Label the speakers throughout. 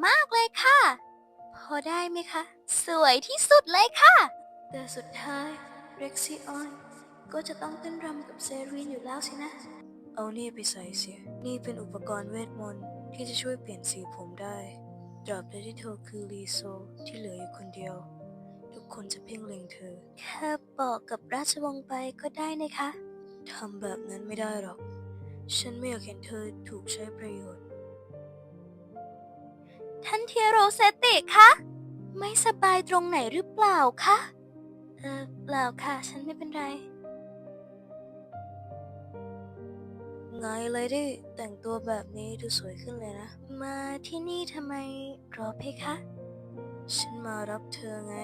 Speaker 1: มากเลยค่ะพอได้ไหมคะสวยที่สุดเลยค่ะแต่สุดท้ายเร็กซี่ออนก็จะต้องเต้นรำกับเซรีนอยู่แล้วสินะเอานี่ไปใส่เสียนี่เป็นอุปกรณ์เวทมนต์ที่จะช่วยเปลี่ยนสีผมได้ตราบใดที่เธอคือลีโซที่เหลืออยู่คนเดียวทุกคนจะเพ่งเล็งเธอแค่บอกกับราชวงศ์ไปก็ได้นะคะทำแบบนั้นไม่ได้หรอกฉันไม่อยากเห็นเธอถูกใช้ประโยชน์ท่านเทียโรเซติคะไม่สบายตรงไหนหรือเปล่าคะเปล่าค่ะฉันไม่เป็นไรไงเลยดิแต่งตัวแบบนี้ดูสวยขึ้นเลยนะมาที่นี่ทำไมรอเพคะฉันมารับเธอไง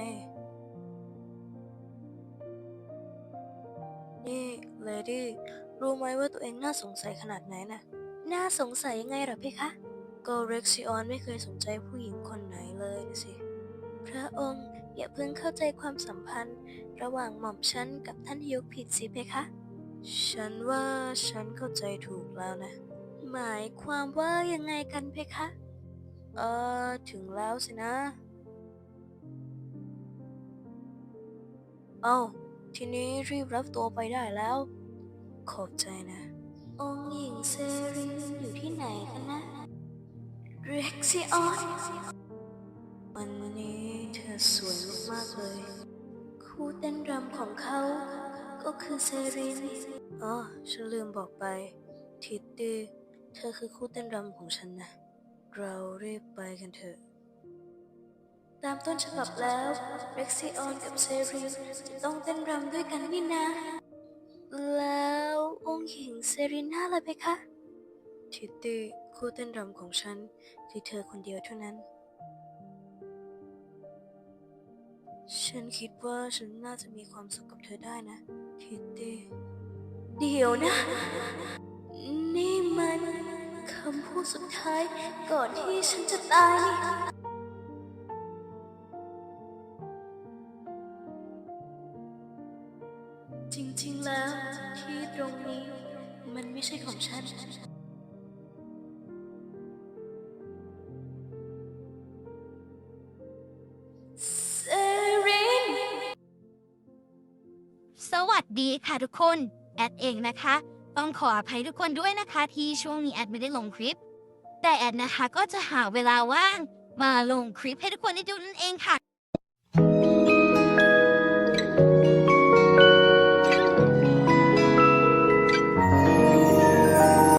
Speaker 1: นี่เลดี้รู้ไหมว่าตัวเองน่าสงสัยขนาดไหนน่ะน่าสงสัยยังไงเหรอเพคะก็เร็กซิออนไม่เคยสนใจผู้หญิงคนไหนเลยนะสิพระองค์อย่าเพิ่งเข้าใจความสัมพันธ์ระหว่างหม่อมฉันกับท่านฮิวผิดสิเพคะฉันว่าฉันเข้าใจถูกแล้วนะหมายความว่ายังไงกันเพคะถึงแล้วสินะเอ้าทีนี้รีบรับตัวไปได้แล้วขอบใจนะองค์หญิงเซรีนอยู่ที่ไหนกันนะเร็กซิออนวันนี้เธอสวยมากๆเลยคู่เต้นรำของเขาก็คือเซรีนอ๋อฉันลืมบอกไปทิตตี้เธอคือคู่เต้นรำของฉันนะเรารีบไปกันเถอะตามต้นฉบับแล้วเร็กซิออนกับเซรีนจะต้องเต้นรำด้วยกันนี่นะแล้วองค์หญิงเซรีน่าล่ะเพคะทิตตี้คู่เต้นรำของฉันคือเธอคนเดียวเท่านั้นฉันคิดว่าฉันน่าจะมีความสุขกับเธอได้นะทิตตี้เดี๋ยวนะนี่มันคำพูดสุดท้ายก่อนที่ฉันจะตายนี่จริงๆแล้วที่ตรงนี้มันไม่ใช่ของฉันเซริน
Speaker 2: สวัสดีค่ะทุกคนแอดเองนะคะต้องขออภัยทุกคนด้วยนะคะที่ช่วงนี้แอดไม่ได้ลงคลิปแต่แอดนะคะก็จะหาเวลาว่างมาลงคลิปให้ทุกคนได้ดูนั่นเองค่ะ